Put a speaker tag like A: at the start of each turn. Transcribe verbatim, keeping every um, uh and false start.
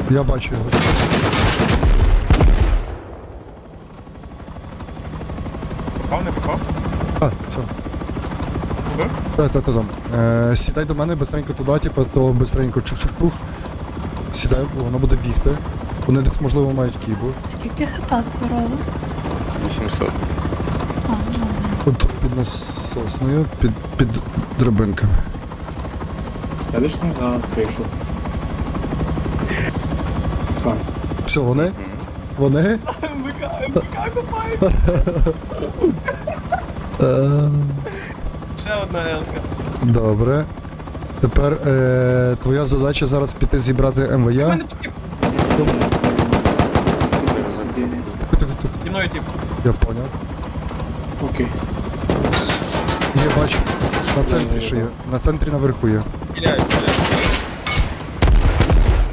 A: Я бачу його.
B: Попав, не попав?
A: А, все.
B: Убив?
A: Та, та, та, там. Е, сідай до мене, бистренько туди, типу, то бистренько чух-чух-чух. Сідай, воно буде бігти. Вони десь, можливо, мають кібу.
C: Скільки хп корова?
D: вісімсот.
C: А, ну.
A: От під насосною, під, під драбинками.
E: Сядеш на кришу. Так.
A: Все, вони? Вони?
B: МВК, МВК копає.
A: Е,
B: Ще одна елка.
A: Добре. Тепер е, твоя задача зараз піти зібрати
B: У
A: МВЯ.
B: мене тут
A: Тихо-тихо-тихо.
B: зі мною тип.
A: Я поняв.
E: Окей.
A: Я бачу. На центрі ще є. На центрі наверху є.
B: Стріляють, стріляють.